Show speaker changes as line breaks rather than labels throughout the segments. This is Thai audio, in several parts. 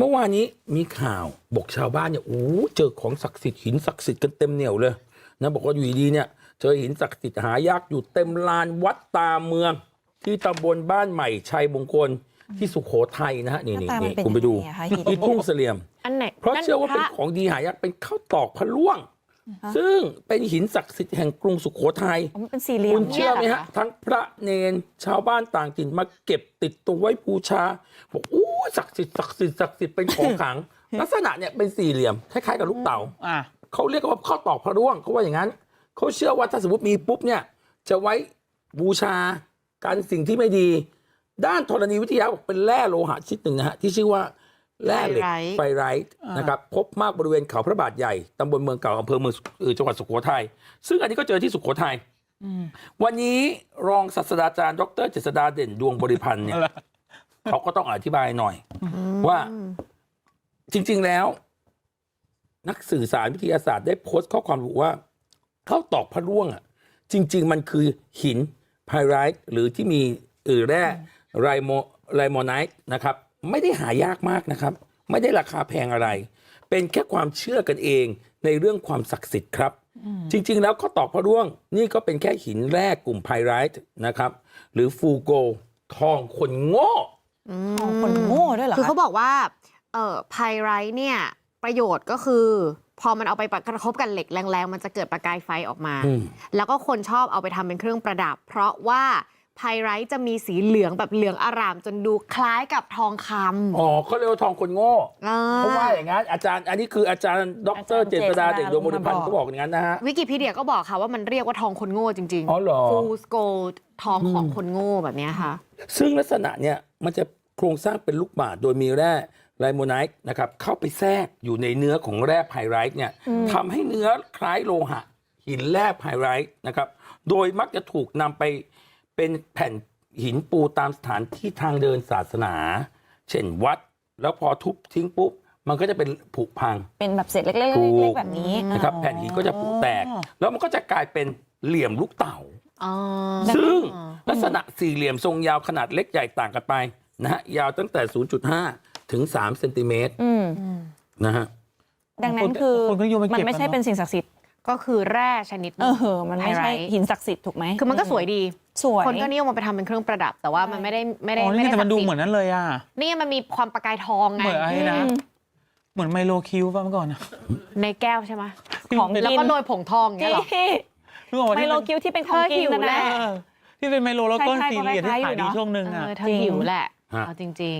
มื่อวานนี้มีข่าวบอกชาวบ้านเนี่ยเจอของศักดิ์สิทธิ์หินศักดิ์สิทธิ์กันเต็มเหนียวเลยนะบอกว่าอยู่ดีๆเนี่ยเจอหินศักดิ์สิทธิ์หายากอยู่เต็มลานวัดตาเมืองที่ตำบลบ้านใหม่ชัยมงคลที่สุโขทัยนะฮะนี่คุณไปดูที่ทุ่งเสลี่ยม
อันไหน
เพราะเชื่อว่าเป็นของดีหายากเป็นข้าวตอกพระล่วงซึ่งเป็นหินศักดิ์สิทธิ์แห่งกรุงสุโขทัย
มันเป็นสี่เหลี่ยม
คุณเชื่อไหมฮะทั้งพระเนนชาวบ้านต่างถิ่นมาเก็บติดตัวไว้บูชาบอกศักดิ์สิทธิ์ศักดิ์สิทธิ์ศักดิ์สิทธิ์เป็นของขลัง ลักษณะเนี่ยเป็นสี่เหลี่ยมคล้ายๆกับลูกเต๋าเขาเรียกว่าข้าวตอกพระร่วงเขาว่าอย่างนั้นเขาเชื่อว่าถ้าสมมติมีปุ๊บเนี่ยจะไว้บูชากันสิ่งที่ไม่ดีด้านธรณีวิทยาบอกเป็นแร่โลหะชนิดหนึ่งนะฮะที่ชื่อว่าแร่เหล็กไฟไรท์นะครับพบมากบริเวณเขาพระบาทใหญ่ตำบลเมืองเก่าอำเภอเมืองจังหวัดสุโขทัยซึ่งอันนี้ก็เจอที่สุโขทัยวันนี้รองศาสตราจารย์ดรเจษฎาเด่นดวงบริพันธ์เนี่ยเขาก็ต้องอธิบายหน่อยว่าจริงๆแล้วนักสื่อสารวิทยาศาสตร์ได้โพสต์ข้อความระบุว่าข้าวตอกพระร่วงอ่ะจริงๆมันคือหินไพไรท์หรือที่มีแร่ไรโมไนท์นะครับไม่ได้หายากมากนะครับไม่ได้ราคาแพงอะไรเป็นแค่ความเชื่อกันเองในเรื่องความศักดิ์สิทธิ์ครับจริงๆแล้วข้าวตอกพระร่วงนี่ก็เป็นแค่หินแร่กลุ่มไพไรท์นะครับหรือฟูโกทองคนโง่
ทองคนโง่ด้วยเหรอ
คือเขาบอกว่าไพไรท์เนี่ยประโยชน์ก็คือพอมันเอาไปกระทบกันเหล็กแรงๆมันจะเกิดประกายไฟออกมาแล้วก็คนชอบเอาไปทำเป็นเครื่องประดับเพราะว่าไพไรท์จะมีสีเหลืองแบบเหลืองอร่ามจนดูคล้ายกับทองคำ
เขาเรียกว่าทองคนโง่เพราะว่าอย่างนั้นอาจารย์อันนี้คืออาจารย์ดรเจษฎาเด่นดวงบริพันธ์เขาบอกอย่างนั้นนะฮะ
วิกิพีเดียก็บอกค่ะว่ามันเรียกว่าทองคนโง่จริง
ๆอ๋อเหรอ
Fool's Gold ทองของคนโง่แบบนี้ค่ะ
ซึ่งลักษณะเนี่ยมันจะโครงสร้างเป็นลูกบาศก์โดยมีแร่ไลโมไนท์นะครับเข้าไปแทรกอยู่ในเนื้อของแร่ไพไรท์เนี่ยทำให้เนื้อคล้ายโลหะหินแร่ไพไรท์นะครับโดยมักจะถูกนำไปเป็นแผ่นหินปูตามสถานที่ทางเดินศาสนาเช่นวัดแล้วพอทุบทิ้งปุ๊บมันก็จะเป็นผุพัง
เป็นแบบเศษเล็กๆแบบนี้
นะครับแผ่นหินก็จะผุแตกแล้วมันก็จะกลายเป็นเหลี่ยมลูกเต๋าซึ่งลักษณะสี่เหลี่ยมทรงยาวขนาดเล็กใหญ่ต่างกันไปนะฮะยาวตั้งแต่ 0.5 ถึง 3 เซนติเมตรนะฮะ
ดังนั้นคือมันไม่ใช่เป็นสิ่งศักดิ์สิทธิ์
ก็คือแร่ชนิด
มันไม่ใช่หินศักดิ์สิทธิ์ถูกไหม
คือมันก็สวยดี
สวย
คนก็นิยมมาไปทำเป็นเครื่องประดับแต่ว่ามันไม่ได้
แต่มันดูเหมือนนั้นเลยอ่ะ
นี่มันมีความประกายทองไง
เหมือนอะไรนะเหมือนไมโลคิวป่ะเมื่อก่อน
ในแก้วใช่ไหม
ของ
แล้วก็โรยผงทองเงี้ยหรอ
ไมโลคิวที่เป็นของกินนั่นแหละ
ที่เป็นไมโลแล้วก็สีเหลี่ยมที่ขายดีช่วงนึงอ่ะ
เธอหิวแหละจริง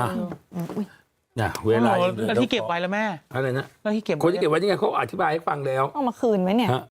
เวลา
แล้วที่เก็บไว้แล้วแม่
อะไรนะ
แล้วที่เก็บ
คนที่เก็บไว้ยังไงเขาอธิบายให้ฟังแล้ว
ต้องมาคืนไหมเนี่ย